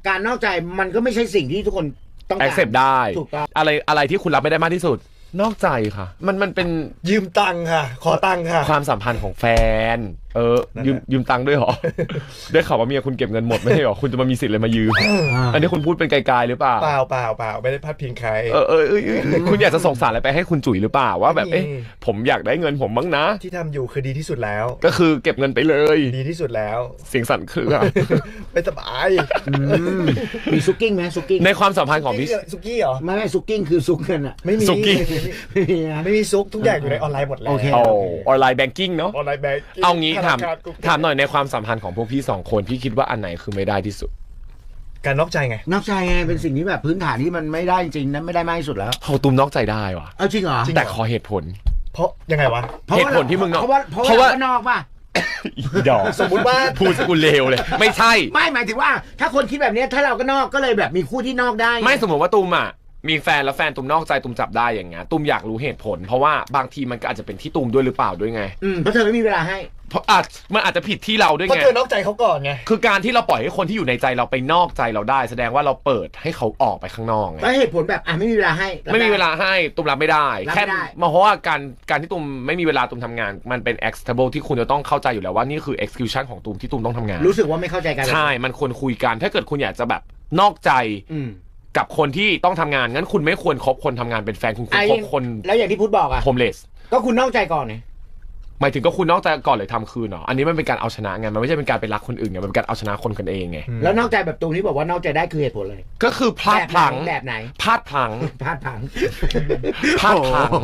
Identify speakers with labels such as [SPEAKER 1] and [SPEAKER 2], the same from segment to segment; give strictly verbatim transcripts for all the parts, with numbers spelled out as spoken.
[SPEAKER 1] การนอกใจมันก็ไม่ใช่สิ่งที่ทุกคนต้องการ
[SPEAKER 2] accept ได้
[SPEAKER 1] ถูกต้อง
[SPEAKER 2] อะไรอะไรที่คุณรับไม่ได้มากที่สุดนอกใจค่ะมันมันเป็น
[SPEAKER 3] ยืมตังค่ะขอตังค่ะ
[SPEAKER 2] ความสัมพันธ์ของแฟนเออยืมยืมตังค์ด้วยเหรอ ได้ข่าวว่าเมียคุณเก็บเงินหมดไม่ใช่เหรอคุณจะมามีสิทธิ์เลยมายืมอันนี้คุณพูดเป็นไกลๆหรือเปล่า
[SPEAKER 3] เปล่าเปล่าเปล่าไม่ได้พาดพิงใคร
[SPEAKER 2] เออเออคุณอยากจะส่งสารอะไรไปให้คุณจุ๋ยหรือเปล่าว่าแบบเอ๊ะผมอยากได้เงินผมบ้างนะ
[SPEAKER 3] ที่ทำอยู่คือดีที่สุดแล้ว
[SPEAKER 2] ก็คือเก็บเงินไปเลย
[SPEAKER 3] ดีที่สุดแล้ว
[SPEAKER 2] เสียงสั่นคือ
[SPEAKER 3] ไม่สบาย
[SPEAKER 1] มีซุกกิ้งไหมซุกกิ้ง
[SPEAKER 2] ในความสัมพันธ์ของพี่
[SPEAKER 3] ซุกี้เหรอ
[SPEAKER 1] ไม่ไม่ซุกกิ้งคือซุกเงินอ่ะ
[SPEAKER 3] ไม่มี
[SPEAKER 2] ซุกี้
[SPEAKER 3] ไม่มีซุกทุกอย่างอยู่ในออนไลน์หมดแล้ว
[SPEAKER 1] โอเค
[SPEAKER 2] ออนไลน์แบงกิ้งเนาะ
[SPEAKER 3] ออนไลน์แบงกิ้ง
[SPEAKER 2] เอางี้ถามถามหน่อยในความสัมพันธ์ของพวกพี่สองคนพี่คิดว่าอันไหนคือไม่ได้ที่สุด
[SPEAKER 3] การนอกใจไง
[SPEAKER 1] นอกใจไงเป็นสิ่งที่แบบพื้นฐานที่มันไม่ได้จริงนั้นไม่ได้มากที่สุดแล้ว
[SPEAKER 2] เขาตุ้มนอกใจได้วะ
[SPEAKER 1] เอาจริงเหรอ
[SPEAKER 2] แต่ขอเหตุผล
[SPEAKER 3] เพราะยังไงวะ
[SPEAKER 2] เหตุผลที่มึงเนาะ
[SPEAKER 1] เพราะว่าเพราะว่านอกป่ะ
[SPEAKER 2] ดอก
[SPEAKER 3] สมมุติว่า
[SPEAKER 2] พูดกูเลวเลยไม่ใช่
[SPEAKER 1] ไม่หมายถึงว่าถ้าคนคิดแบบนี้ถ้าเราก็นอกก็เลยแบบมีคู่ที่นอกได้
[SPEAKER 2] ไม่สมมติว่าตุ้มอ่ะมีแฟนแล้วแฟนตุ้มนอกใจตุ้มจับได้อย่างเงี้ยตุ้มอยากรู้เหตุผลเพราะว่าบางทีมันก็อาจจะเป็นที่ตุ้มด้วยหรือเปล่าด้วยไง
[SPEAKER 1] อืมเพราะเธอไม่มีเวลาให้
[SPEAKER 2] เพราะอาจมันอาจจะผิดที่เราด้วยไง
[SPEAKER 3] เพราะเธอนอกใจเขาก่อนไง
[SPEAKER 2] คือการที่เราปล่อยให้คนที่อยู่ในใจเราไปนอกใจเราได้แสดงว่าเราเปิดให้เขาออกไปข้างนอกไง
[SPEAKER 1] แล้วเหตุผลแบบอ่ะไม่มีเวลาให้
[SPEAKER 2] ไม่มีเวลาให้ตุ้มรับไม่ได้แค่มาเพราะว่าการการที่ตุ้มไม่มีเวลาตุ้มทำงานมันเป็น acceptable ที่คุณจะต้องเข้าใจอยู่แล้วว่านี่คือ exclusion ของตุ้มที่ตุ้มต้องทำงาน
[SPEAKER 1] รู้สึกว่าไม่เข้าใจกัน
[SPEAKER 2] ใช่มันควรคุยกันถ้าเกิดคุณอยากจะแบบนอกใจกับคนที่ต้องทำงานงั้นคุณไม่ควรคบคนทำงานเป็นแฟนคุณควรคบคน
[SPEAKER 1] แล้วอย่างที่พุทธบอกอะ
[SPEAKER 2] โฮมเลส
[SPEAKER 1] ก็คุณนอกใจก่อนไง
[SPEAKER 2] หมายถึงก็คุณนอกใจก่อนเลยทำคืนเนาะอันนี้มันเป็นการเอาชนะไงมันไม่ใช่เป็นการไปรักคนอื่นไงมันเป็นการเอาชนะคนกันเองไง
[SPEAKER 1] แล้วนอกใจแบบตรงที่บอกว่านอกใจได้คือเหตุผลเลย
[SPEAKER 2] ก็คือพลาดพลั้ง
[SPEAKER 1] แบบไหน
[SPEAKER 2] พลาดพลั้ง
[SPEAKER 1] พลาดพลั้ง
[SPEAKER 2] พลาดพลั้ง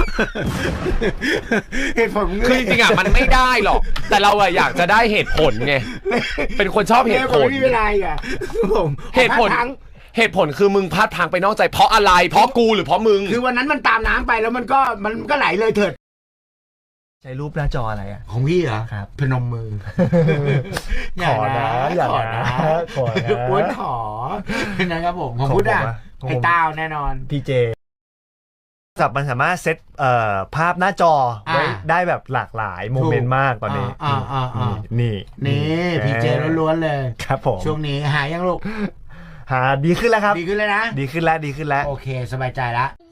[SPEAKER 1] เหตุผล
[SPEAKER 2] คือจริงๆอ่ะมันไม่ได้หรอกแต่เราอะอยากจะได้เหตุผลไงเป็นคนชอบเหตุผล
[SPEAKER 1] ไม่มีเวลาอ่ะผม
[SPEAKER 2] เหตุผลเหตุผลคือมึงพลาดพลั้งไปนอกใจเพราะอะไรเพราะกูหรือเพราะมึง
[SPEAKER 1] คือวันนั้นมันตามน้ำไปแล้วมันก็มันก็ไหลเลยเถิด
[SPEAKER 3] ใช้รูปหน้าจออะไรอ่ะ
[SPEAKER 1] ของพี่เหรอ
[SPEAKER 3] ครับ
[SPEAKER 1] พนมมือ
[SPEAKER 3] ขอนะอย่านะขอนะ
[SPEAKER 1] อ้วนขอนะครับผมของพุทธอ่ะไอ้ต้าวแน่นอน
[SPEAKER 3] พีเจสับมันสามารถเซตเอ่อภาพหน้าจอไว้ได้แบบหลากหลายโมเมนต์มากตอนนี้นี่
[SPEAKER 1] นี่พีเจล้วนๆเลย
[SPEAKER 3] ครับผม
[SPEAKER 1] ช่วงนี้หายังลูก
[SPEAKER 3] หาดีขึ้นแล้วครับ
[SPEAKER 1] ดีขึ้นแล้วนะ
[SPEAKER 3] ดีขึ้นแล้วดีขึ้นแล้ว
[SPEAKER 1] โอเคสบายใจแล้ว